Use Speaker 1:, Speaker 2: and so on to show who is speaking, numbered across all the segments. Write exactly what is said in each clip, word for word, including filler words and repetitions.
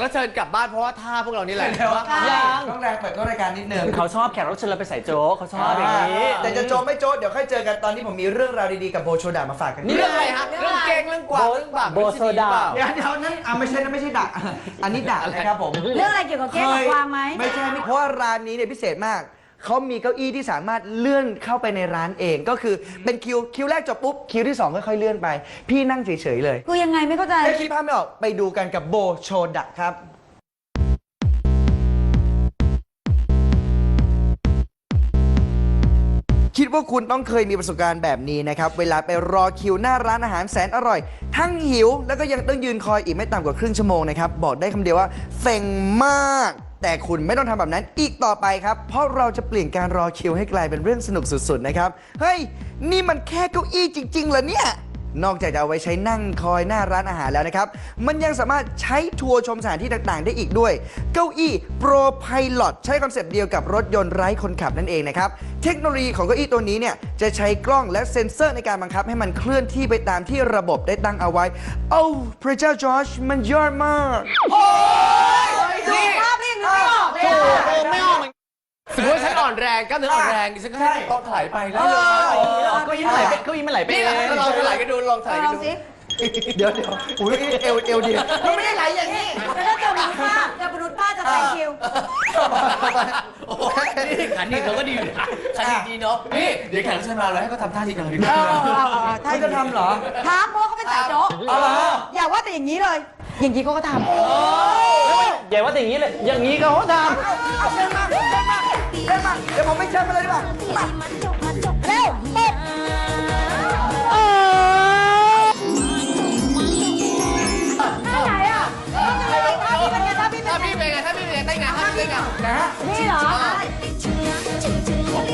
Speaker 1: ก็เชิญกลับบ้านเพราะว่าท่าพวกเรานี่แหละ
Speaker 2: ยังต้องแรงเปิดต้นรายการนิดนึง
Speaker 3: เขาชอบแขกรับเชิญเราไปใส่โจ๊กเขาชอบอย่างนี้
Speaker 2: แต่จะโจ๊กไม่โจ๊กเดี๋ยวค่อยเจอกันตอนนี้ผมมีเรื่องราวดีๆกับโบโชดามาฝากกัน
Speaker 1: นี่เรื่องอะไรฮะเรื่องเก่งเรื่องกวางเรื่องบาป
Speaker 3: โบโซดา
Speaker 2: เดี๋ยวเดี๋ยวนั่นอ่ะไม่ใช่นะไม่ใช่ดักอันนี้ดักนะครับผม
Speaker 4: เรื่องอะไรเกี่ยวกับเก้งกับกวางไหม
Speaker 2: ไม่ใช่ไม่เพราะว่าร้านนี้เนี่ยพิเศษมากเขามีเก้าอี้ที่สามารถเลื่อนเข้าไปในร้านเอง ก็คือเป็นคิวคิวแรกจบปุ๊บคิวที่สองค่อยๆเลื่อนไป พี่นั่งเฉยๆเลย
Speaker 4: คือยังไงไม่เข้าใจ
Speaker 2: ถ้าคิดภาพไม่ออกไปดูกันกับโบโชดะครับคิดว่าคุณต้องเคยมีประสบการณ์แบบนี้นะครับเวลาไปรอคิวหน้าร้านอาหารแสนอร่อย ทั้งหิวแล้วก็ยังต้องยืนคอยอีกไม่ต่ำกว่าครึ่งชั่วโมงนะครับบอกได้คำเดียวว่าเซ็งมาก แต่คุณไม่ต้องทำแบบนั้นอีกต่อไปครับเพราะเราจะเปลี่ยนการรอคิวให้กลายเป็นเรื่องสนุกสุดๆนะครับเฮ้ยนี่มันแค่เก้าอี้จริงๆเหรอเนี่ยนอกจากจะเอาไว้ใช้นั่งคอยหน้าร้านอาหารแล้วนะครับมันยังสามารถใช้ทัวร์ชมสถานที่ต่างๆได้อีกด้วยเก้าอี้ Pro Pilot ใช้คอนเซปต์เดียวกับรถยนต์ไร้คนขับนั่นเองนะครับเทคโนโลยีของเก้าอี้ตัวนี้เนี่ยจะใช้กล้องและเซ็นเซอร์ในการบังคับให้มันเคลื่อนที่ไปตามที่ระบบได้ตั้งเอาไว้โอ้พระเจ้าจอร์จมันยอดมากโอ้ย
Speaker 4: ดูภาพนี่นึกไม่ออกเลย
Speaker 1: โอ้
Speaker 4: อะ
Speaker 1: โหไม่ออกสมมติว่าฉันอ่อนแรงกล้ามเนื้ออ่อนแรงดิฉันก็ให้ต้องถลายไปได้เลย
Speaker 3: เก้าอี้มันไหลไปเก้าอี้มันไหลไป
Speaker 1: นี่
Speaker 3: เอง
Speaker 1: เราถลายกันดูลองถลาย
Speaker 4: ล
Speaker 1: กั
Speaker 4: อน ง
Speaker 1: ดู
Speaker 4: สิ
Speaker 2: เดี๋ยวเดี๋ยวอุ้ยเอวเอวดีมันไม่ได้ไหลอย่างนี้
Speaker 4: แล้วถ้าเจอมนุษย์ป้าเจอมนุษย์ป้าจะใส่คิว
Speaker 1: โอ้โหนี่ขันนี่เขาก็ดีนะขันดีเนาะนี่เดี๋ยวแขกรับเชิญมาเราให้เขาทำท่าทีเดียวดีกว่า
Speaker 2: เขาจะทำเหรอ
Speaker 4: ถามเพราะเขาเป็นสายโจ๊ก
Speaker 2: เอาเหรอ
Speaker 4: อย่าว่าแต่อย่างนี้เลย อย่างนี้เขาก็ทำ
Speaker 3: อย่าว่าแต่อย่างนี้เลยอย่างนี้เขาท
Speaker 2: เอาเดินมาเดินมาเดินมาเดี๋ยวผมไปเชิญมาเลยดีกว่ามา
Speaker 4: เร็วเด็ดท่าไหนอ่ะท่าพี่เป็นไงท่าพี่เป็น
Speaker 1: ถ้า
Speaker 4: ไง
Speaker 1: พี่เป็นไงถ้าพี่เป็นไงได้ไงถ้าพี่เป็นไง
Speaker 2: นะฮะ
Speaker 4: นี่เหรอ
Speaker 1: โอ้โห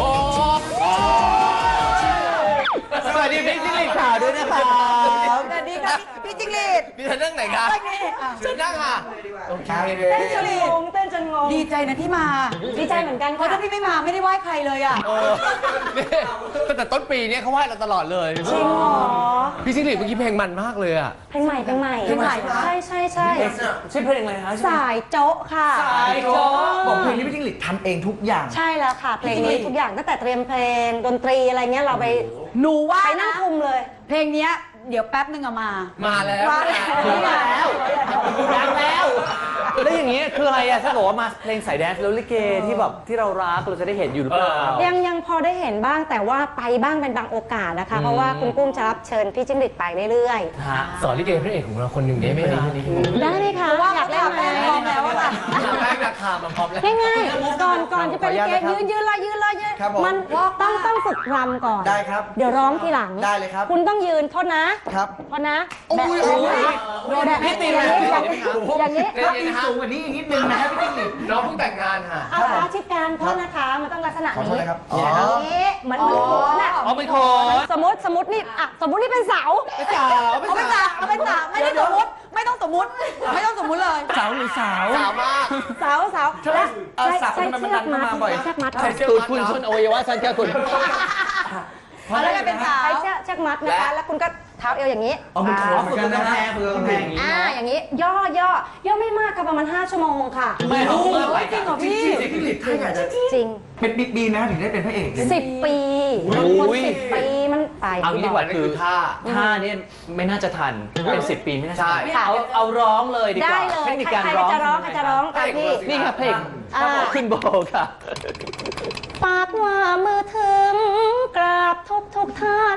Speaker 3: ำสวัสดีพี่จิ้งหรีดขาวด้วยนะครับ
Speaker 4: สวัสดีค่ะพี่จิงหรีด
Speaker 1: นี่เธอนั่งไหนคะเชิญนั่งค่ะโอเค
Speaker 4: เต้นจนงงเต้นจนงงดีใจนะที่มา ดีใจเหมือนกันเพราะถ้าพี่ไม่มาไม่ได้ไหว้ใครเลยอ่ะ
Speaker 1: เออนี่ตั้งแต่ต้นปีเนี่ยเขาไหว้เราตลอดเลย
Speaker 5: จริงเหรอ
Speaker 1: พี่ซิงหลีดเมื่อกี้เพลงมันมากเลยอ่ะ
Speaker 5: เพลงใหม่เพลงใหม่
Speaker 4: เพลงใหม่เหรอ
Speaker 5: ใช่ใช่ใช่
Speaker 3: ชื่อเพลงอะไรนะ
Speaker 5: สายโจ๊ะค่ะ
Speaker 3: สายโจ๊ก
Speaker 2: บอกเพลงนี้พี่จิ้งหรีดทำเองทุกอย่าง
Speaker 5: ใช่แล้วค่ะ เพลงนี้ทุกอย่างตั้งแต่เตรียมเพลงดนตรีอะไรเงี้ยเราไป
Speaker 4: หนูว่า
Speaker 5: ไปนั่ง
Speaker 4: นะ
Speaker 5: คุมเลย
Speaker 4: เพลงเนี้ยเดี๋ยวแป๊บนึงอะมา
Speaker 1: มาแล้ว
Speaker 4: มาแล้ว
Speaker 1: มาแล้ว
Speaker 3: ดังแล้ว แล้วอย่างนี้คืออะไรอะถ้าบอกว่ามาเพลงสายแดนซ์แล้วลิเกที่แบบที่เรารักเราจะได้เห็นอยู่หรือเปล่า
Speaker 5: ยังยังพอได้เห็นบ้างแต่ว่าไปบ้างเป็นบางโอกาสนะคะ เพราะว่าคุณกุ้งจะรับเชิญพี่จิ้งหรีดไปเรื่อย
Speaker 3: ฮะ
Speaker 1: สอนลิเกพระเอกของเราคนหนึ่งได้ไหมคะ
Speaker 5: ๆ ได้ไหมคะ
Speaker 4: ว่า
Speaker 5: อยากเล่นไหม
Speaker 4: พร้อมแล้วอะค่ะ
Speaker 1: แป้งราคามันพร้อมแล้ว
Speaker 5: ง่ายๆก่อนก่อนจะเป็นลิเกยืนยืนเลยยืนเลยยืน
Speaker 2: ครับผม
Speaker 5: มันต้องต้องฝึกรำก่อน
Speaker 2: ได้ครับ
Speaker 5: เดี๋ยวร้องทีหลัง
Speaker 2: ได้เลยครับ
Speaker 5: คุณต้องยืนโทษนะครับ โทษนะ
Speaker 2: โอ้ย
Speaker 5: แบบนี้แบบ
Speaker 1: พี่ตี
Speaker 5: อ
Speaker 1: เล
Speaker 5: ย่าย งนี้อย่างนี้อย่างนี้
Speaker 1: เดี๋ยวนะฮะ
Speaker 2: สูงกว่านี้อีกนิดนึงนะครับพี่จิ้งหรีด
Speaker 1: น้องเพิ่งแต่งงานค่ะ
Speaker 5: เอาขาชิดกันโทษนะคะ มันต้องลักษณะ
Speaker 2: ขอโทษ
Speaker 5: นี้
Speaker 2: นะครับ
Speaker 5: อ
Speaker 2: อ๋อ
Speaker 5: ย่างนี้เหมือนเหมือนโขนน่ะ
Speaker 3: อ๋อเป็นโขน
Speaker 5: สมมติสมมตินี่อ่ะสมมตินี่เป็นเสา
Speaker 1: เป็นสาว
Speaker 4: เอาเป็นสาวเอาเป็นสาวไม่ได้สมมติไม่ต้องสมมติไม่ต้องสมมติเลย
Speaker 3: สาวหรือสาว
Speaker 1: สาวมาก
Speaker 5: เสาเสาและ
Speaker 2: เออ
Speaker 5: ใช้
Speaker 2: สาว
Speaker 5: ใช้
Speaker 2: ทำไมมัน
Speaker 5: เชื
Speaker 2: ดั
Speaker 5: อก
Speaker 2: น
Speaker 5: มั
Speaker 2: เข้า
Speaker 5: ด
Speaker 2: มาบ่อย
Speaker 5: เชือกมัด
Speaker 1: ใช้เชือก
Speaker 3: ตูดคุณชนอวัยวะฉันแค่คุณ
Speaker 4: เอาแล้วเป็นสาว
Speaker 5: ใช้เชือกเชือกมัดนะคะแล้วคุณก็เท้าเอวอย่างนี้
Speaker 2: เอามันโขนเหมือนกันนะฮะ
Speaker 3: เพื่อนแพงอย่างนี้
Speaker 5: อ่าอย่างนี้ย่อย่อย่อไม่มากค่ะประมาณห้าชั่วโมงค่ะ
Speaker 3: ไม่เอาเมื่อไหร่
Speaker 4: จริงเหรอพี่
Speaker 2: พี่จิ้งหรีดถ้าอยากจะ
Speaker 5: จริง
Speaker 2: เป็นบิ๊กบีนะถึงได้เป็นพระเอกเนี่ย
Speaker 5: สิบปีบางคนสิบปีมันไป
Speaker 3: เอางี้ดีกว่า
Speaker 1: นี่
Speaker 3: คื
Speaker 1: คือ อท่า
Speaker 3: ท่านี้ไม่น่าจะทันเป็นสิบปีไม่น่าจะทัน
Speaker 1: ใช่
Speaker 3: เอาเอาร้องเลยดีก
Speaker 5: ได้
Speaker 3: ว่า
Speaker 5: เลย
Speaker 3: เทคนิค
Speaker 5: ใคร
Speaker 3: การ
Speaker 5: ใคร
Speaker 3: ร้อง
Speaker 5: จะร้องใครจะร้องตามพี่
Speaker 3: นี่ครับเพลง
Speaker 5: อ่า
Speaker 3: ขึ้นโบค่ะ
Speaker 5: ปากว่ามือถึงกราบทุกทุกท่าน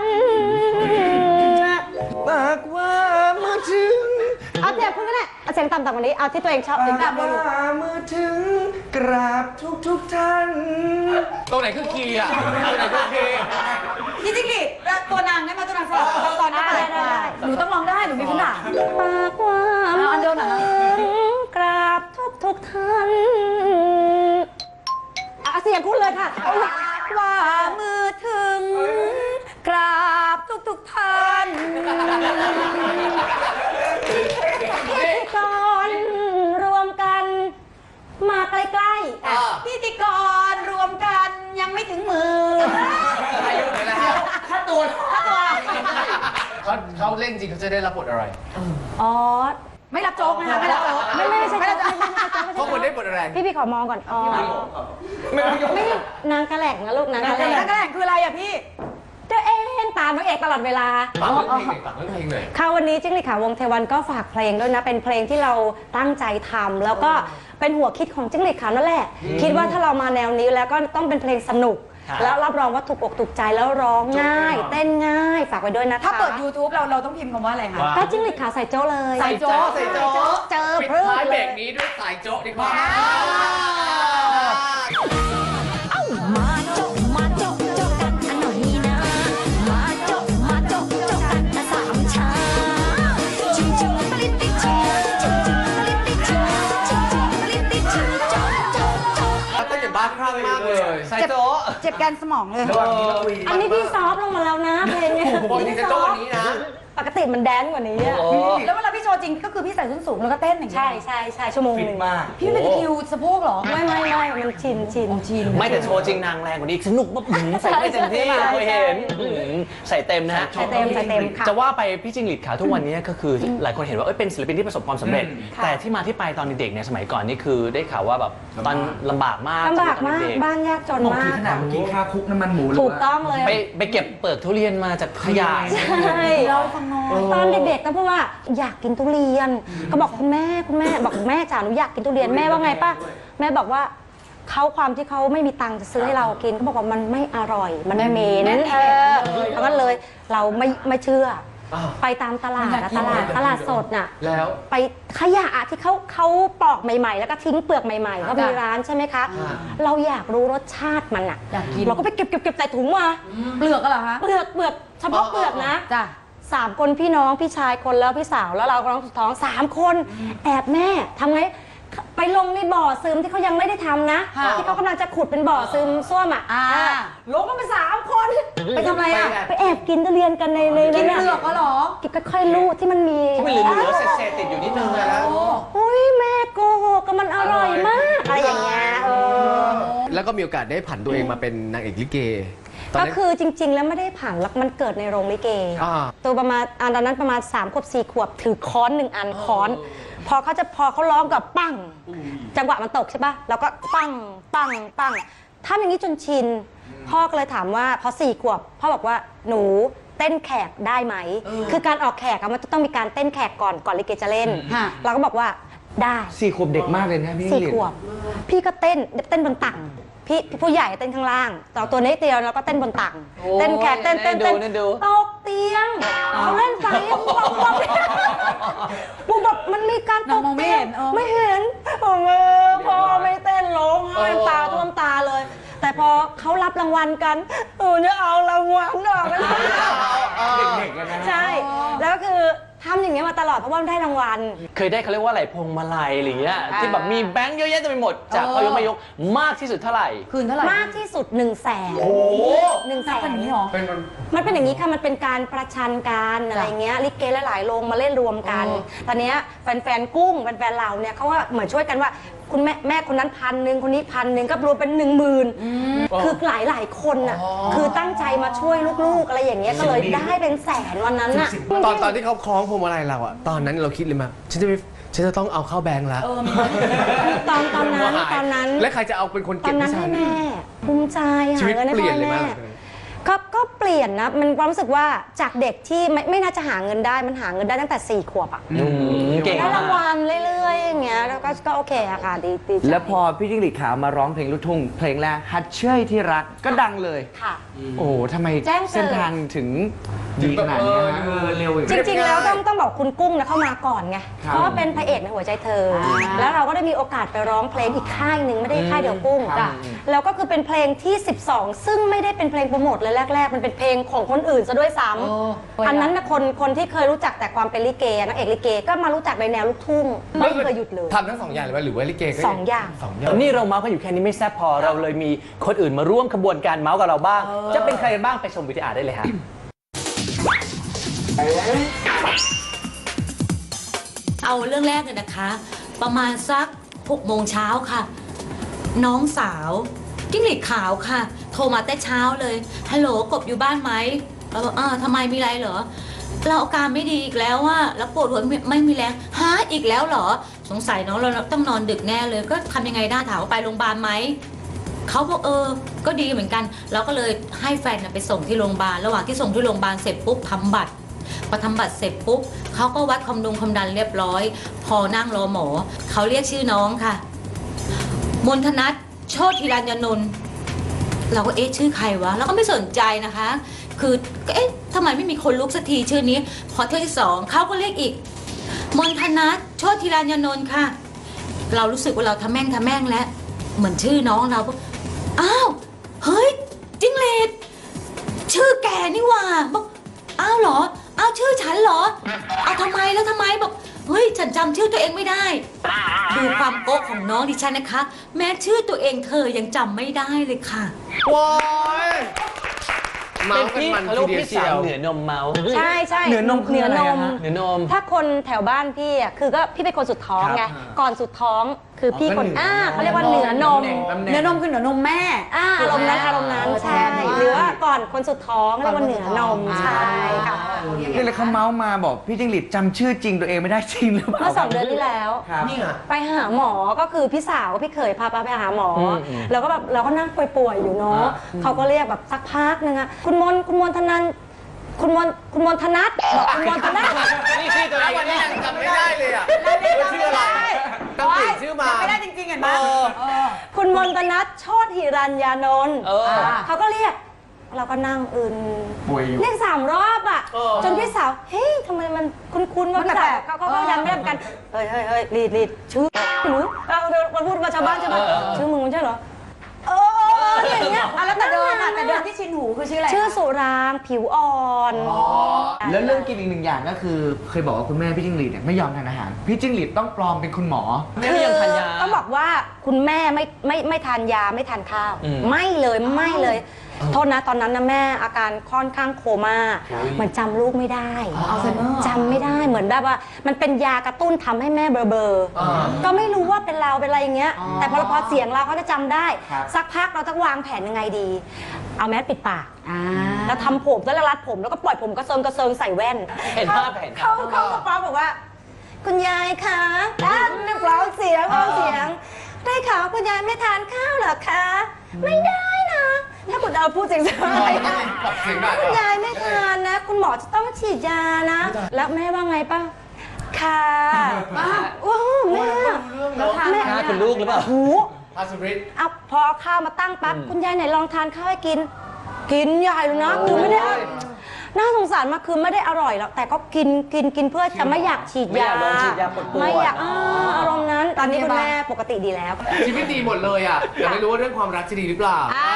Speaker 2: ปากว่ามือถึง
Speaker 5: เอาเสียงคุณก็ได้เอาเสียงต่ำๆกว่านี้เอาที่ตัวเองชอบเสียง
Speaker 2: ปาก
Speaker 5: ต่ำ
Speaker 2: ว่ามือถึงกราบทุกทุกท่าน
Speaker 1: ตรงไหนคือคีย์อ่ะตรงไหนคือคีย์
Speaker 4: พี่จิงหรีดตัวนางได้ไหมตัวนางสลับตอนนี้ไปหนูต้องร้องได้หนูมีพื้นฐาน
Speaker 5: ปากว่า
Speaker 4: เอาอันเดียวหน่อยนะ
Speaker 5: ถึงกราบทุกทุกท่านเอาเสียงคุณเลยค่ะเอาละ
Speaker 4: ว่ามือถึง กราบทุกทุกๆท่าน
Speaker 5: พิธีกรรวมกันมาใกล้ๆอ่ะ
Speaker 4: พิธีกรรวมกันยังไม่ถึงมือ
Speaker 1: อายุไหนแล้วฮะ
Speaker 4: ถ้าตัวถ้าตัว
Speaker 1: เขาเขาเล่นจริงเขาจะได้รับบทอะไร
Speaker 5: อ๋อ
Speaker 4: ไม่รับโจ๊กนะคะไม่รับโจ๊ก
Speaker 5: ไม่ไม่ไม่ใช่
Speaker 4: ไม่รับโจ๊ก
Speaker 1: เพราะคนได้บทอะไร
Speaker 5: พี่พี่ขอมองก่อนอ๋อ
Speaker 1: ไม่ต้องยก
Speaker 5: ไม่นางกระแหลกนะลูกนางกระแหล
Speaker 4: แล้ว
Speaker 5: ก
Speaker 4: กระแหล่งคืออะไรอะพี่
Speaker 5: ตัวเองตามน้องเอกตลอดเวลา
Speaker 1: ฝากเรื่องเพลงหน่อยฝากเรื่องเพลงหน่อย
Speaker 5: ค่ะวันนี้จิ้งหรีดขาววงเทวันก็ฝากเพลงด้วยนะเป็นเพลงที่เราตั้งใจทำแล้วก็เป็นหัวคิดของจิ้งหรีดขาวนั่นแหละ คิดว่าถ้าเรามาแนวนี้แล้วก็ต้องเป็นเพลงสนุก แล้วรับรองว่าถูกอกถูกใจแล้วร้องง่าย เต้นง่ายฝากไว้ด้วยนะคะ
Speaker 4: ถ้าเปิด YouTube เราเราต้องพิมพ์คำว่าอะไรคะ
Speaker 5: ก็จิ้งหรีดขาวใส่โจ้เลย
Speaker 4: ใส่โจ๊ก
Speaker 1: ใส่โจ๊ก
Speaker 5: เจอ
Speaker 1: ปิด
Speaker 5: เพื่อ
Speaker 1: ท้ายเบร
Speaker 5: เลย
Speaker 1: กนี้ด้วยสายโจ๊กดีกว่า
Speaker 6: มาโจ๊กมาโจ๊กโจ๊กกันอันหน่อยนะ มาโจ๊กมาโจ๊กโจ๊กกันอันสามชาชิงชิงตะลิดติชิงชิงชิงตะลิดติชิงชิงชิงตะลิดติชิงโจ๊กโจ๊กโจ๊ก
Speaker 1: เต้นอย่างบ้าคลั่งมากเลย
Speaker 3: ใส่โจ๊ะ
Speaker 4: เจ็บแกนสมองเลย
Speaker 1: ระหว่างนี้เราคุย
Speaker 5: อันนี้พี่ซอฟต์ลงมาแล้วนะเพลงเนี้ย
Speaker 1: ปกติจะโจ๊กวันนี้นะ
Speaker 5: ปกติมันแดนซ์กว่านี้อะ
Speaker 4: แล้วเวลาพี่โชว์จริงก็คือพี่ใส่ส้นสูงแล้วก็เต้นอย่างนี้
Speaker 5: ใช่ใช่ใช่ชั่วโมงหนึ่ง
Speaker 4: พี่เป็นตะคริวสะโพกเหรอ
Speaker 5: ไม่ไม่ไม่มันชินชิน
Speaker 4: ชิน
Speaker 3: ไม่แต่โชว์จริงนางแรงกว่านี้อีกสนุกมากหืมใส่ได้เต็มที่
Speaker 5: ใช่ใช่
Speaker 3: เคยเห็นหืมใส่เต็มนะฮะ
Speaker 5: ใส่เต็มใส่เต็มค่ะ
Speaker 3: จะว่าไปพี่จิงหรีดขาวทุกวันนี้ก็คือหลายคนเห็นว่าเอ้ยเป็นศิลปินที่ประสบความสำเร็จ แต่ที่มาที่ไปตอนเด็กๆเนี่ยสมัยก่อนนี่คือได้ข่าวว่าแบบตอนลำบากมาก
Speaker 5: ลำบาก
Speaker 3: ตอน
Speaker 5: มาก
Speaker 3: เด็ก
Speaker 5: บ้านยากจนมาก
Speaker 2: ขนาดเมื่อกี้ค่าคุกน้ำมันหมูเลย
Speaker 5: ถูกต้องเลย
Speaker 3: ๆไปไปเก็บเปลือกทุเรียนมาจากขยะ
Speaker 5: ใช่เราตอนเด็กๆก็พูดว่าอยากกินทุเรียน ก็บอกคุณแม่คุณแม่บอกแม่จ๋าหนูอยากกินทุเรียนแม่ว่าไงป้าแม่บอกว่าเขาความที่เขาไม่มีตังค์จะซื้อให้เรากินเขาบอกว่ามันไม่อร่อย มันเหม็น
Speaker 4: แม่
Speaker 5: เออแล้วก็เลยเราไม่ไม่เชื่อ
Speaker 1: อ้าว
Speaker 5: ไปตามตลาดอะตลาดตลาดสดน่ะ
Speaker 1: แล้ว
Speaker 5: ไปขยะที่เขาเขาปอกใหม่ ๆ แล้วก็ทิ้งเปลือกใหม่ๆเขามีร้านใช่ไหมคะ เราอยากรู้รสชาติมันอะ
Speaker 4: อยากกิน
Speaker 5: เราก็ไปเก็บเก็บเก็บใส่ถุงมา
Speaker 4: เปลือกก็เหรอคะ
Speaker 5: เปลือกเปลือกเฉพาะเปลือกนะ
Speaker 4: จ้ะ
Speaker 5: สามคนพี่น้องพี่ชายคนแล้วพี่สาวแล้วเราก็น้องสุดท้องสามคนแอบแม่ทำไงไปลงในบ่อซึมที่เขายังไม่ได้ทำนะ
Speaker 4: ค่ะ
Speaker 5: ที่เขากำลังจะขุดเป็นบ่อซึมส้วมอ่ะ
Speaker 4: อ่า
Speaker 5: อ่าลงกันไปสามคน
Speaker 4: ไปทำอะไรอะ
Speaker 5: ไปแอบกินทุเรียนกันในใน
Speaker 4: กิน
Speaker 5: นั้น
Speaker 4: เปลือกก็เหรอ
Speaker 5: กินค่อยๆลูดที่มันมี
Speaker 3: ที่มันเหลือๆเศษๆติดอยู่นิดนึงนะ
Speaker 4: โอ้
Speaker 5: อุ้ยแม่โกหกก็มันอร่อยมากอะไรอย่างเงี้ยเออ
Speaker 1: แล้วก็มีโอกาสได้ผันตัวเองมาเป็นนางเอกลิเกตอน
Speaker 5: ก็
Speaker 1: นั้น
Speaker 5: คือจริง ๆ แล้วไม่ได้ผ่านหรอกมันเกิดในโรงลิเก
Speaker 1: อ่า
Speaker 5: ตัวประมาณอันตอนนั้นประมาณ3ขวบสี่ขวบถือค้อนหนึ่งอันค้อน พอเขาจะพอเขาร้องกับปั้ง จังหวะมันตกใช่ปะแล้วก็ปั้งปั้งปั้งทำอย่างนี้จนชิน พ่อก็เลยถามว่าพอสี่ขวบพ่อบอกว่าหนูเต้นแขกได้ไหม คือการออกแขกอะมันจะต้องมีการเต้นแขกก่อนก่อนลิเกจะเล่น
Speaker 4: ค่ะ
Speaker 5: เราก็บอกว่าได้
Speaker 2: สี่ขวบเด็กมากเลยนะพี่
Speaker 5: สี่ขวบ พี่ก็เต้นเต้นบนตักพี่พี่ผู้ใหญ่เต้นข้างล่างแต่ตัวเล็กเดียวแล้วก็เต้นบนตักเต้นแขกเต้นเต้นเต้น
Speaker 3: น่าดู
Speaker 5: ตกเตียงเขาเล่นไปปุ๊บปุ๊บปุ๊บแบบมันมีการต
Speaker 4: น้อง
Speaker 5: ก
Speaker 4: มองไม่
Speaker 5: เตีย
Speaker 4: เห็
Speaker 5: ง
Speaker 4: นเออ
Speaker 5: ไม่เห็นโอ้โหพอไม่เต้นร้องไห้ตาท่วมตาเลย แต่พอเขารับรางวัลกันเออเนี่ยเอารางวัลออกมาเด็กๆกันนะใช่ แล้วก็คือทำอย่างเงี้ยมาตลอดเพราะว่าได้รางวัล
Speaker 3: เคยได้เขาเรียกว่าอะไรพวงมาลัยอะไรเงี้ยที่แบบมีแบงค์เยอะแยะเต็มไปหมดจาก
Speaker 4: เออ
Speaker 3: พอยกมายกมากที่สุดเท่าไหร่
Speaker 4: คืนเท่าไหร่
Speaker 5: มากที่สุด1นึ่งแสน
Speaker 3: โอ้
Speaker 5: หนึ่งแส
Speaker 4: เป็น
Speaker 5: น
Speaker 4: อย่างนี้เหรอ
Speaker 1: เป็นมัน
Speaker 5: มันเป็นอย่างนี้ค่ะมันเป็นการประชันกันอะไรเงี้ยลิเกหลายๆโรงมาเล่นรวมกัน
Speaker 4: อ๋อ
Speaker 5: ตอนเนี้ยแฟนๆกุ้งแฟนๆเราเนี่ยเขาว่าเหมือนช่วยกันว่าคุณแม่แม่คนนั้นพันหนึ่งคนนี้พันหนึ่งก็รวมเป็นหนึ่งหมื่นคือหลายๆคนน่ะคือตั้งใจมาช่วยลูกๆอะไรอย่างเงี้ยก็เลยได้เป็นแสนวันนั้นน่ะ
Speaker 1: ตอนตอนที่เขาคล้องพวงมาลัยเราอะตอนนั้นเราคิดเลยมั้ยฉันจะไปฉันจะต้องเอาเข้าแบงค์แล้ว
Speaker 5: ตอนตอนนั้นตอนนั้น
Speaker 1: และใครจะเอาเป็นคน
Speaker 5: ตอ
Speaker 1: เก็บ
Speaker 5: นนั้น
Speaker 1: ให้ฉั
Speaker 5: ให้
Speaker 1: น
Speaker 5: แม่ภูมิใจ
Speaker 1: ชี
Speaker 5: หา
Speaker 1: วิต
Speaker 5: เงินให้
Speaker 1: เปลี่
Speaker 5: พ่
Speaker 1: ยน
Speaker 5: อ
Speaker 1: เลย
Speaker 5: แม่
Speaker 1: มาก
Speaker 5: ก็ก็เปลี่ยนนะมันความรู้สึกว่าจากเด็กที่ไม่ไม่น่าจะหาเงินได้มันหาเงินได้ตั้งแต่สี่ขวบอะ
Speaker 3: อืมเก่ง
Speaker 5: ได้ราง
Speaker 3: มาก
Speaker 5: วัลเรื่อยๆอย่างเงี้ยแล้วก็ก็โอเคอะค่ะดีดีใจ
Speaker 2: แล้วพอพี่จิ้งหรีดขาวมาร้องเพลงลูกทุ่งเพลงแรกฮัดเชยที่รักก็ดังเลย
Speaker 5: ค่ะ
Speaker 2: โอ้ทำไม
Speaker 5: แจ้งเกิด
Speaker 2: เส้นทางถึงดีขนาดนี้ฮะเออเร็วอีก
Speaker 5: จริงๆ แล้วต้องต้องบอกคุณกุ้งนะเข้ามาก่อนไง
Speaker 2: ครับ
Speaker 5: เพราะว่าเป็นพระเอกในหัวใจเธออแล้วเราก็ได้มีโอกาสไปร้องเพลงอีกค่ายหนึ่งไม่ได้ค่ายเดียวกุ้ง
Speaker 2: ครับ
Speaker 5: แล้วก็คือเป็นเพลงที่ สิบสอง ซึ่งไม่ได้เป็นเพลงโปรโมทเลยแรกๆ มันเป็นเพลงของคนอื่นซะด้วยซ้
Speaker 4: โอ้
Speaker 5: ำอันนั้นนะคนคนที่เคยรู้จักแต่ความเป็นลิเกนักเอกลิเกก็มารู้จักในแนวลูกทุ่งไม่เคยหยุดเลย
Speaker 1: ทำทั้งสองอย่างเลยว่าหรือว่าลิเกก็
Speaker 5: สองอย่าง
Speaker 1: สองอย่าง
Speaker 3: นี่เราเมาส์กันอยู่แค่นี้ไม่แซ่บพอเราเลยมีคนอื่นมาร่วมขบวนการเมาส์กับเราบ้าง จะเป็นใครกันบ้างไปชมวิดีอาร์ได้เลยฮะ
Speaker 7: เอาเรื่องแรกเลยนะคะ ประมาณสักหกโมงเช้าค่ะ น้องสาวจิ้งหรีดขาวค่ะ โทรมาแต่เช้าเลยฮัลโหลกบอยู่บ้านไหมเราบอกอ่าทำไมมีอะไรเหรอเราอาการไม่ดีอีกแล้วว่าแล้วปวดหัวไม่ไม่มีแรงฮะอีกแล้วเหรอสงสัยน้องเราต้องนอนดึกแน่เลยก็ทำยังไงได้ถามว่าไปโรงพยาบาลไหมเขาบอกเออก็ดีเหมือนกันเราก็เลยให้แฟนไปส่งที่โรงพยาบาลระหว่างที่ส่งที่โรงพยาบาลเสร็จปุ๊บทำบัตรพอทำบัตรเสร็จปุ๊บเขาก็วัดความดุงความดันเรียบร้อยพอนั่งรอหมอเขาเรียกชื่อน้องค่ะมนทนัทโชติรัญญนนท์เราก็เอ๊ะชื่อใครวะแล้วก็ไม่สนใจนะคะคือเอ๊ะทำไมไม่มีคนลุกสักทีชื่อนี้พอเที่ยวที่สองเขาก็เรียกอีกมนทนัทโชติรัญญนนท์ค่ะเรารู้สึกว่าเราทำแม่งทำแม่งแล้วเหมือนชื่อน้องเราอ้าวเฮ้ยจิ้งเหลนชื่อแกนี่หว่าบอกอ้าวเหรออ้าวชื่อฉันเหรอเอาทำไมแล้วทำไมบอกเฮ้ยฉันจำชื่อตัวเองไม่ได้ดูความโก๊กของน้องดิฉันนะคะแม้ชื่อตัวเองเธอยังจำไม่ได้เลยค่ะ
Speaker 1: ว้ายเมา
Speaker 3: เป็น
Speaker 1: ส์กัน
Speaker 3: พี่
Speaker 1: มัน
Speaker 3: เขา
Speaker 1: ที
Speaker 3: เรียก
Speaker 1: เดียว
Speaker 3: พี่
Speaker 1: เชี
Speaker 3: สา
Speaker 1: ยว ว
Speaker 3: เหนือนมเมาส์
Speaker 5: ใช่ใช่
Speaker 2: เหนือนมคือ
Speaker 5: เหนือ
Speaker 2: อะไร
Speaker 5: น
Speaker 2: อะ
Speaker 5: ม
Speaker 2: ฮะ
Speaker 3: เหนือนม
Speaker 5: ถ้าคนแถวบ้านพี่อ่ะคือก็พี่เป็นคนสุดท้องไง
Speaker 2: ครับ
Speaker 5: ก่อนสุดท้องคือพี่คน
Speaker 2: อ๋อ
Speaker 5: อ่า
Speaker 2: ก็
Speaker 5: เขา
Speaker 2: เหนื
Speaker 5: เรี
Speaker 2: อย
Speaker 5: กว่าเหนือนม
Speaker 2: ตำแหน่ง
Speaker 4: เนื้อนมคือเหนือนมแม่
Speaker 5: อ่าอารมณ์นั้นอารมณ์นั้น
Speaker 4: เออ
Speaker 5: ใช่
Speaker 4: แทนว่า
Speaker 5: หรือว่าก่อนคนสุดท้องเรียกว่าเหนือนม
Speaker 4: อ่า
Speaker 5: ใช่ค่ะ
Speaker 2: นี่เลยเขาเมาส์มาบอกพี่จิ้งหรีดจำชื่อจริงตัวเองไม่ได้จริงหรือเปล่า
Speaker 5: เมื่อสองเดือนที่แล้ว
Speaker 2: ครับ
Speaker 1: นี่ไง
Speaker 5: ไปหาหมอก็คือพี่สาวพี่เคยพาไปหาหมออ
Speaker 3: มอืม
Speaker 5: แล้วก็แบบเราก็นั่งป่วยๆอยู่เนาะเขาก็เรียกแบบสักพักนึงอะคุณมนคุณมนธนันคุณมนคุณมนธนัทบอกคุณมนธนัท
Speaker 3: นี่ชื่อตัวเอ
Speaker 1: แล้ว
Speaker 3: ง
Speaker 1: วันนี้ยังจำไม่ได้เลยอ่ะว่าชื่ออะไรต้องเปลี่ยนชื่อมา
Speaker 4: ไม่ได้จริงๆเห็นไหม
Speaker 1: เออ
Speaker 4: เออ
Speaker 5: คุณมนตนัทโชติหิรัญญานนท์
Speaker 3: เออ
Speaker 5: เขาก็เรียก เราก็นั่งอื่น
Speaker 2: ป่วยอยู่
Speaker 5: เรียกสามรอบอ่ะ
Speaker 1: เออ
Speaker 5: จนพี่สาวเฮ้ยทำไมมันคุ้นๆว่า
Speaker 4: มัน
Speaker 5: พี่สาว
Speaker 4: แปลกๆ
Speaker 5: เขาเขาก็
Speaker 4: เออ
Speaker 5: ยันไม่ได้เหมือนกันเฮ้ยเฮ้ยเฮ้ยรีดรีดชื่อหนูเราเราพูดมาชาวบ้านใช่ไหม
Speaker 3: เออเออ
Speaker 5: ชื่อมึงมันใช่เหรอเออเออเอออย่างเงี้ย
Speaker 4: อ่ะแล้วแต่เดิมอ่ะแต่เดิมที่ชินหูคือชื่ออะไร
Speaker 5: ชื่อสุรางค์ผิวอ่อน
Speaker 2: แล้วเรื่องกินอีกหนึ่งอย่างก็คือ เคยบอกว่าคุณแม่พี่จิ้งหรีดเนี่ยไม่ยอมทานอาหาร พี่จิ้งหรีดต้องปลอมเป็นคุณหมอ
Speaker 3: แม่ไม่ยังทานยา
Speaker 5: ต้องบอกว่าคุณแม่ไม่ไม่ไม่ทานยาไม่ทานข้าว
Speaker 3: อืม
Speaker 5: ไม่เลยไม่เลย โทษนะตอนนั้นนะแม่อาการค่อนข้างโคม่าเหมือนจำลูกไม่ได้
Speaker 4: อัลไซเมอร์
Speaker 5: จำไม่ได้เหมือนแบบว่า มันเป็นยากระตุ้นทำให้แม่เบลอเบลอๆก็ไม่รู้ว่าเป็นเราเป็นอะไรอย่างเงี้ย แต่พอพอเสียงเราเขาจะจำได้
Speaker 2: ครับ
Speaker 5: สักพักเราต้องวางแผนยังไงดี เอาแมสปิดปาก
Speaker 4: อ่า
Speaker 5: แล้วทำผมแล้วรัดผมแล้วก็ปล่อยผมกระเซิงกระเซิงใส่แว่น
Speaker 3: เห็นภาพเห็นภา
Speaker 5: เขา
Speaker 3: พ
Speaker 5: เขาก็ฟ้องบอกว่า คุณยายคะอ่ะเรียบร้องเสียงร้องเสียง ได้ข่าวว่าคุณยายไม่ทานข้าวเหรอคะ ไม่ได้นะ ถ้าคุณเอาพูดเสียงๆอะไรนะ
Speaker 1: ปรับเสียงได้
Speaker 5: คุณยายไม่ทานนะ คุณหมอจะต้องฉีดยานะ แล้วแม่ว่าไงป่ะค่ะอ้าวโอ้แม่
Speaker 4: แล้วทาน
Speaker 5: แม่
Speaker 3: หน้าคุณลูกหรือเปล่า
Speaker 5: หู
Speaker 1: พาสริต
Speaker 5: เอาพอเอาข้าวมาตั้งปั๊บคุณยายไหนลองทานข้าวให้กิน กินใหญ่เลยนะคือไม่ได้อน่าสงสารมากคือไม่ได้อร่อยแล้วแต่ก็กินกินกินเพื่อจะไม่อยากฉีด
Speaker 3: ไม่อย
Speaker 5: า
Speaker 3: ากโดนฉีดยาปวดปวด
Speaker 5: ไม่อยากอ่าอารมณ์นั้น ตอนนี้คุณแม่ปกติดีแล้ว
Speaker 1: ชีวิตดีหมดเลยอ่ะแต่ไม่รู้ว่าเรื่องความรักจะดีหรือเปล่า
Speaker 5: อ่า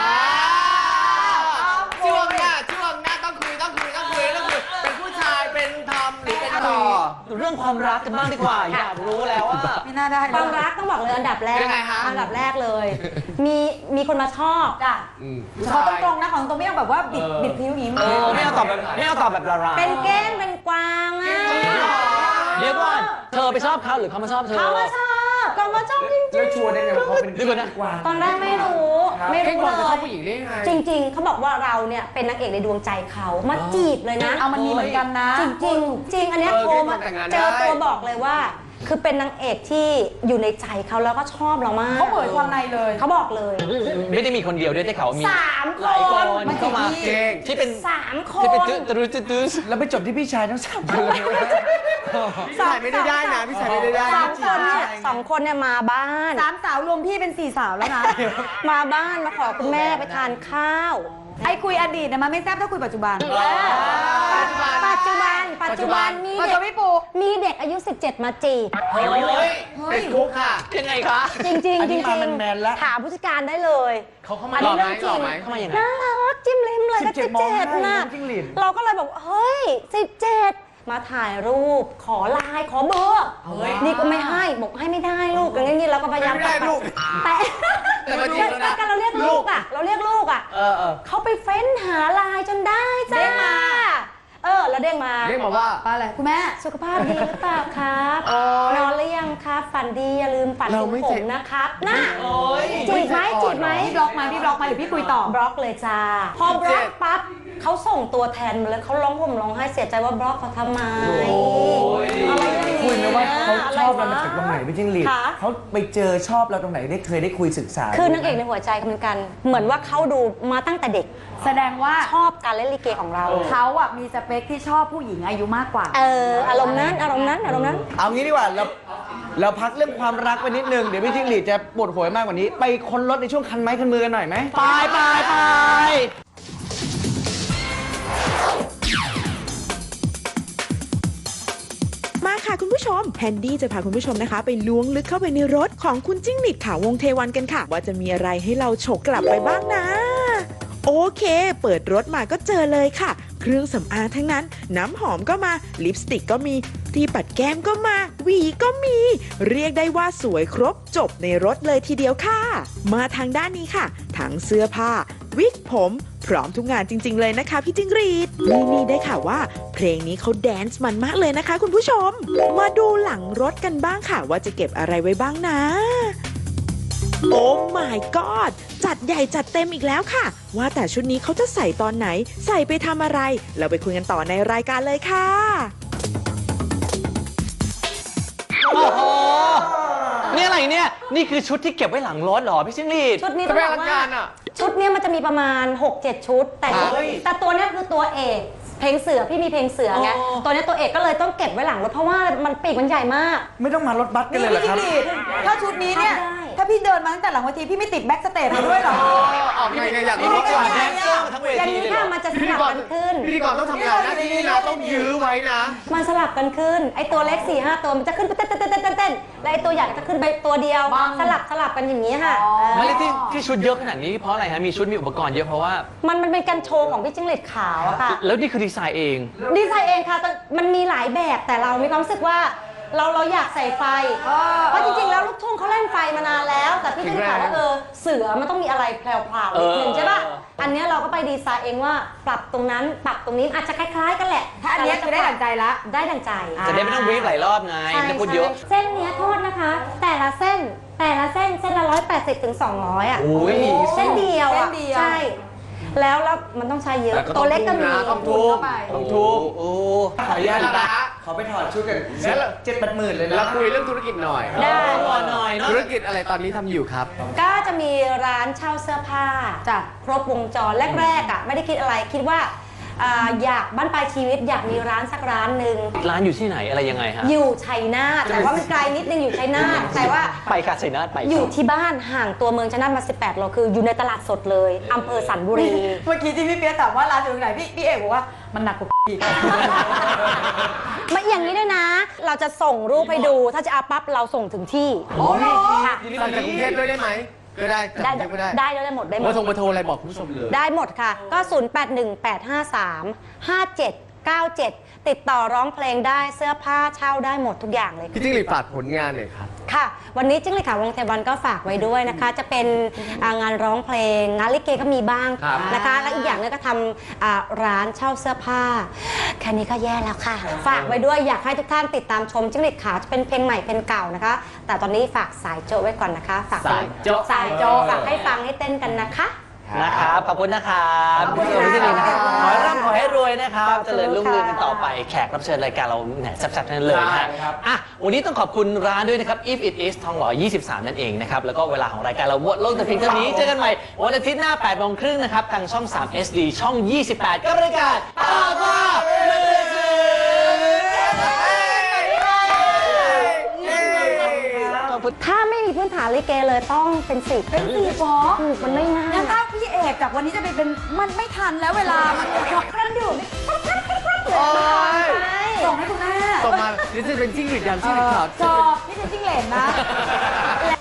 Speaker 1: ช่วงหน้าช่วงหน้าต้องคุยต้องคุยต้องคุยต้องคุยเป็นผู้ชายเป็นทอมหรือเป็นต่อ
Speaker 3: เรื่องความรักกันบ้างดีกว่า อยากรู้แล้วว่า
Speaker 4: ไม่น่าได้
Speaker 5: ความรักต้องบอกเลยอันดับแรก
Speaker 1: ยังไงฮะ
Speaker 5: อันดับแรกเลย มีมีคนมาชอบ
Speaker 4: จ้ะ
Speaker 1: อืม
Speaker 4: ขอตรงๆนะของตรงไม่ต้องแบบว่าบิดบิดพิ้วอย่างนี้
Speaker 3: เออไม่เอาตอบแบบไม่เอาตอบแบบดารา
Speaker 5: เป็นเก้งเป็นกวางอ่ะ
Speaker 3: เดี๋ยวก่อนเธอไปชอบเขาหรือเขามาชอบเธอ
Speaker 5: เขามาชอบเขามาชอบจริง
Speaker 2: แล้วชัวร์ได้ไงว่าเขาเป็น
Speaker 3: เดี๋ยวก่อนนะ
Speaker 2: กวาง
Speaker 5: ๆตอนแรกไม่รู้ ไม่
Speaker 1: เก้ง
Speaker 5: รู้
Speaker 1: กวาง
Speaker 5: เล
Speaker 1: จะชอย บผู้หญิงได้ยังไง
Speaker 5: จริง ๆ เขาบอกว่าเราเนี่ยเป็นนางเอกในดวงใจเขามาจีบเลยนะ
Speaker 4: เอามันมีเหมือนกันนะ
Speaker 5: จริงจริงๆจริงอันเนี้ย
Speaker 1: เออ
Speaker 5: โทรมา
Speaker 1: แต่งงาน
Speaker 5: เจอ
Speaker 1: ได้
Speaker 5: ตัวบอกเลยว่า คือเป็นนางเอกที่อยู่ในใจเขาแล้วก็ชอบเรามาก
Speaker 4: เขาเปิดความในเลย
Speaker 5: เขาบอกเลย
Speaker 3: ไม่ได้มีคนเดียวด้วยได้ข่าวว่ามี
Speaker 5: สามคน
Speaker 3: หลายคน
Speaker 4: มัน
Speaker 3: เข้ามา
Speaker 4: กี่ที่
Speaker 1: เก้ง
Speaker 3: ที่เป็น
Speaker 5: สามค
Speaker 3: ที่
Speaker 5: น
Speaker 3: เป็นตื้อตื้อตื้อตื้อ
Speaker 2: แล้วไปจบที่พี่ชายทั้งสามคนเลย
Speaker 1: พี่ชายไม่ได้ได้นะพี่ชายไม่ได้ได้
Speaker 5: สองคนเนี่ยสองคนเนี่ยมาบ้าน
Speaker 4: สามสาวรวมพี่เป็นสี่สาวแล้วนะ
Speaker 5: มาบ้านมาขอคุณแม่ไปทานข้าว
Speaker 4: ไอ้คุยอดีตเนี่ยมันไม่แซ่บเท่าคุยปัจจุบัน
Speaker 5: ปัจจุบัน ปัจจุบันมี
Speaker 4: ปัจ
Speaker 5: เด็
Speaker 4: จุ
Speaker 5: ก
Speaker 4: บันพี่ปู
Speaker 5: มีเด็กอายุ สิบเจ็ด มาจีบ
Speaker 1: เฮ้ยเป็นคุกค่ะ
Speaker 3: ยังไงคะ
Speaker 5: จริงๆจริง
Speaker 2: อัน
Speaker 5: จ
Speaker 2: นี้
Speaker 5: ริง
Speaker 2: มาแมนๆแล้ว
Speaker 5: ถามผู้จัดการได้เลย
Speaker 1: เขาเข้ามา
Speaker 5: อัน
Speaker 1: หล่
Speaker 5: นี้
Speaker 1: อไหม
Speaker 5: เรื่องจริง
Speaker 1: หล่อไหม
Speaker 3: เข้ามายังไง
Speaker 5: น่ารักจิ้มลิ้มเลยก็
Speaker 2: สิ
Speaker 5: สิ
Speaker 2: บบ เจ็
Speaker 5: เจ็
Speaker 2: ด
Speaker 5: ด
Speaker 2: มองหน้า
Speaker 5: น่ะ
Speaker 2: น้องจิ้งหรีด
Speaker 5: เราก็เลยบอกเฮ้ยสิบเจ็ดมาถ่ายรูป ขอไลน์ขอเบอร์ นี่ก็ไม่ให้บอกให้ไม่ได้ลูกอย่างนี้เราก็พยายาม
Speaker 1: ไม่ได้ลูก
Speaker 5: แต่
Speaker 1: แต่มาจริงแล้วนะ
Speaker 5: แต่เราเรียกลูกอ่ะ เราเรียกลูกอ่ะ
Speaker 3: เออเออ
Speaker 5: เขาไปเฟ้นหาไลน์จนได้จ้า
Speaker 4: เด้งมา
Speaker 5: เออแล้วเด้งมา
Speaker 1: เรียกมาว่า
Speaker 4: ปลาอะไรคุณแม่
Speaker 5: สุขภาพดีหรือเปล่าครับ
Speaker 1: โอ๊ย
Speaker 5: นอนหรือยังครับ ฝันดีอย่าลืมฝัน
Speaker 1: เรา
Speaker 5: ถึง
Speaker 1: ไม่
Speaker 5: ผ
Speaker 1: เจ็
Speaker 5: ม
Speaker 1: บ
Speaker 5: นะครับนะ
Speaker 1: โอ๊ย
Speaker 5: จีบไหมจีบไหม
Speaker 4: พี่บล็อกไหมพี่บล็อกไหมหรือพี่คุยต่อ
Speaker 5: บล็อกเลยจ้า พอบล็อกปั๊บเขาส่งตัวแทนมาเลยเขาร้องห่มร้องไห้เสียใจว่าบล็อกเขาทำไม
Speaker 2: อะไรคุยไหมว่าเขาชอบเราจากตรงไหนพี่จิ้งหรีด
Speaker 5: คะ
Speaker 2: เขาไปเจอชอบเราตรงไหนได้เคยได้คุยศึกษา
Speaker 5: คือนางเอกในหัวใจเหมือนกัน เหมือนว่าเขาดูมาตั้งแต่เด็ก
Speaker 4: แสดงว่า
Speaker 5: ชอบการเล่นลิเกของเรา
Speaker 4: เขาอ่ะมีสเปคที่ชอบผู้หญิงอายุมากกว่า
Speaker 5: เอออารมณ์นั้นอารมณ์นั้นอารมณ์นั้น
Speaker 2: เอางี้ดีกว่าเราเราพักเรื่องความรักไปนิดนึง เดี๋ยวพี่จิ้งหรีดจะปวดหัวมากกว่านี้ ไปค้นรถในช่วงคันไม้คันมือกันหน่อยไหมไปไปไป
Speaker 8: มาค่ะคุณผู้ชมแฮนดี้จะพาคุณผู้ชมนะคะ ไปล้วงลึกเข้าไปในรถของคุณจิ้งหรีดขาววงเทวันกันค่ะ ว่าจะมีอะไรให้เราฉกกลับไปบ้างนะ โอเค เปิดรถมาก็เจอเลยค่ะ เครื่องสำอางทั้งนั้น น้ำหอมก็มาลิปสติกก็มีที่ปัดแก้มก็มาหวีก็มี เรียกได้ว่าสวยครบจบในรถเลยทีเดียวค่ะ มาทางด้านนี้ค่ะทั้งเสื้อผ้า วิกผม พร้อมทุกงานจริง ๆ เลยนะคะพี่จิ้งหรีดนี่นี่ได้ค่ะว่า เพลงนี้เขาแดนซ์มันมากเลยนะคะคุณผู้ชม มาดูหลังรถกันบ้างค่ะ ว่าจะเก็บอะไรไว้บ้างนะ โอ้ my god จัดใหญ่จัดเต็มอีกแล้วค่ะ ว่าแต่ชุดนี้เขาจะใส่ตอนไหน ใส่ไปทำอะไร เราไปคุยกันต่อในรายการเลยค่ะ
Speaker 3: โอ้โห นี่อะไรเนี่ย นี่คือชุดที่เก็บไว้หลังรถเหรอพี่จิ้งหรีด
Speaker 5: ชุดนี้ต้องบอกว่าชุดเนี้ยมันจะมีประมาณ หกเจ็ด ชุด แต่ชุด
Speaker 3: เฮ้ย
Speaker 5: แต่ตัวเนี้ยคือตัวเอกเพลงเสือพี่มีเพลงเสือไง
Speaker 3: อ๋อ
Speaker 5: ตัวเนี้ยตัวเอกก็เลยต้องเก็บไว้หลังรถเพราะว่ามันปีกมันใหญ่มาก
Speaker 2: ไม่ต้องมารถบัสกัน
Speaker 4: นี่
Speaker 2: เลยเหร
Speaker 4: พี่
Speaker 2: อครับ
Speaker 4: จิ้งหรีดถ้าชุดนี้เนี่ย
Speaker 5: ได้
Speaker 4: ถ้าพี่เดินมาตั้งแต่หลังเวทีพี่ไม่ติดแบ็กสเตจมาด้วยเหรอ
Speaker 1: ออกไงไงอยาก
Speaker 3: นี่
Speaker 1: รู้
Speaker 3: นี่
Speaker 1: ก่
Speaker 3: ก่
Speaker 1: อ
Speaker 3: อน น
Speaker 1: แด
Speaker 3: แด
Speaker 1: น
Speaker 3: น
Speaker 1: เซ
Speaker 3: เซ
Speaker 1: อ
Speaker 3: อ
Speaker 1: ร์
Speaker 3: ร์ทั้งเว
Speaker 5: อย่าง
Speaker 3: ที
Speaker 5: นี้
Speaker 3: เลยเหร
Speaker 5: ค่ะ
Speaker 3: อ
Speaker 5: มันจะส
Speaker 1: พิธี
Speaker 5: ลับ
Speaker 1: กร
Speaker 5: กันขึ้น
Speaker 1: พิธีกรต้องทำงานหน้าที่นี่นะต้องยื้อไว้นะ
Speaker 5: มันสลับกันขึ้น ไอตัวเล็ก4ี่ห้าตัวมันจะขึ้นเต้นเต้นเต้นเต้นเต้นและไอตัวใหญ่จะขึ้นไปตัวเดียว
Speaker 4: บ้าง
Speaker 5: สลับสลับกันอย่างนี้ค่ะ
Speaker 4: อ๋อ
Speaker 5: เออ
Speaker 3: ไม่ได้ที่ที่ชุดเยอะขนาดนี้เพราะอะไรฮะ มีชุดมีอุปกรณ์เยอะเพราะว่า
Speaker 5: มันมันเป็นการโชว์ของพี่จิ้งหรีดขาวอะค่ะ
Speaker 3: แล้วนี่คือดีไซน์เอง
Speaker 5: ดีไซน์เองค่ะแต่มันมีหลายแบบแต่เรามีความรู้สึกว่าเราเราอยากใส่ไฟ เพราะจริงๆแล้วลูกทุ่งเขาเล่นไฟมานานแล้ว แต่พี่ต้องถามว่าเออเสือมันต้องมีอะไรแพรวๆนิดนึงใช่ป่ะ อันเนี้ยเราก็ไปดีไซน์เองว่าปรับตรงนั้นปรับตรงนี้อาจจะคล้ายๆกันแหละ
Speaker 4: ถ้าอันเนี้ยคือได้ดั่งใจละ
Speaker 5: ได้ดั่งใจ
Speaker 3: จะได้ไม่ต้องบรีฟหลายรอบไง
Speaker 5: ใช่
Speaker 3: ไม่ต้องพูดเยอะ
Speaker 5: ใช่เส้นเนี้ยโทษนะคะ แต่ละเส้นแต่ละเส้นเส้นละร้อยแปดสิบถึงสองร้อยอ่ะ
Speaker 3: โอ้ย
Speaker 5: เส้นเดียว
Speaker 4: เส้
Speaker 5: อ่ะ
Speaker 4: นเดียว
Speaker 5: ใช่แล้วแล้วมันต้องใช้เยอะตัวเล็กก็มี
Speaker 1: ต้องทุบ
Speaker 3: ต้องทุบโอ้
Speaker 2: ขออนุญาตนะขอไปถอดชุดกันเจ็ดแปดหมื่นเลยนะ
Speaker 1: เราคุยเรื่องธุรกิจหน่อย
Speaker 5: ได้
Speaker 3: ก่อนหน่อยเนาะ
Speaker 1: ธุรกิจอะไรตอนนี้ทำอยู่ครับ
Speaker 5: ก็จะมีร้านเช่าเสื้อผ้าจ้ะครบวงจรแรกๆอ่ะไม่ได้คิดอะไรคิดว่าอ่าอยากบ้านปลายชีวิตอยากมีร้านสักร้านหนึ่ง
Speaker 3: ร้านอยู่ที่ไหนอะไรยังไงฮะ
Speaker 5: อยู่ชัยนาทแต่ว่ามันไกลนิดนึงอยู่ชัยนาทแต่ว่า
Speaker 3: ไปค่ะชัยนาทไป
Speaker 5: อยู่ที่บ้านห่างตัวเมืองชัยนาทมาสิบแปดโลคืออยู่ในตลาดสดเลยอำเภอสันบุรี
Speaker 4: เมื่อกี้ที่พี่เปียกถามว่าร้านอยู่ตรงไหนพี่พี่เอกบอกว่ามันหนักกว่าพี่
Speaker 5: ไม่อย่างนี้ด้วยนะ เราจะส่งรูปให้ดูถ้าจะเอาปั๊บเราส่งถึงที่
Speaker 4: โอ้โห
Speaker 5: ค่ะ
Speaker 1: สั่งจากกรุงเทพด้วยได้ไหมก็ได้
Speaker 5: ได้
Speaker 1: จากกรุงเทพก็ได้
Speaker 5: ได้ได้หมดได้หม
Speaker 1: เบอ
Speaker 5: ด
Speaker 1: ร์โทรเบอร์โทรอะไรบอกคุณผู้ชมเลย
Speaker 5: ได้หมดค่ะ ก็ ศูนย์ แปด หนึ่ง แปด ห้า สาม ห้า เจ็ด เก้า เจ็ด ติดต่อร้องเพลงได้เสื้อผ้าเช่าได้หมดทุกอย่างเลย
Speaker 1: พี่จิ้งหรีดฝากผลงานหน่อยครับ
Speaker 5: ค่ะ วันนี้จิ้งหรีดขาววงเทวันก็ฝากไว้ด้วยนะคะ จะเป็นอ่างานร้องเพลง งานลิเกก็มีบ้าง
Speaker 1: ครับ
Speaker 5: นะคะ และอีกอย่างหนึงก็ทำอ่าร้านเช่าเสื้อผ้า แค่นี้ก็แย่แล้วค่ะ ฝากไว้ด้วยอยากให้ทุกท่านติดตามชมจิ้งหรีดขาวจะเป็นเพลงใหม่เพลงเก่านะคะ แต่ตอนนี้ฝากสายโจไว้ก่อนนะคะ ฝาก
Speaker 1: สายโจ๊ะ
Speaker 5: สายโจฝากให้ฟังให้เต้นกันนะคะ
Speaker 3: นะครับ ขอบคุณนะครับ
Speaker 5: ขอบคุณ
Speaker 3: พี่จิ้งหรีดนะครับ
Speaker 5: ค่ะ
Speaker 3: ขอให้ร่ำขอให้รวยนะครับ
Speaker 5: ขอบคุณ
Speaker 3: เจริญรุ่งเรืองกัน
Speaker 5: ค่ะ
Speaker 3: ต่อไป แขกรับเชิญรายการเราแหมแซ่บๆทั้งนั้นเลยนะฮะ
Speaker 1: ใช่ครับ
Speaker 3: อ่ะ วันนี้ต้องขอบคุณร้านด้วยนะครับ If It Is ทองหล่อ ยี่สิบสาม นั่นเองนะครับ แล้วก็เวลาของรายการเราวนโลกแต่เพียงเท่านี้ เจอกันใหม่วันอาทิตย์หน้าแปดโมงครึ่งนะครับ ทางช่อง สาม เอส ดี ช่อง ยี่สิบแปดกับรายการตาว่ามือถือขอบคุณ
Speaker 5: ถ้าไม่มีพื้นฐานลิเกเลยต้องเป็นสิบ
Speaker 4: เป็นสี่ฟอ
Speaker 5: ถูกมันไม่ง่าย
Speaker 4: งั้นถ้าพี่เอกจากวันนี้จะไปเป็นมันไม่ทันแล้วเวลา มันขับเคลื่อนอยู่นี่
Speaker 1: โอ้ย
Speaker 4: ส่งให้คุณแม่
Speaker 1: ส่งมานี่จะเป็นจิ้งหรีดยางจิ้งหรีดขาว
Speaker 4: จอพี่เป็นจิ้งเหลนนะ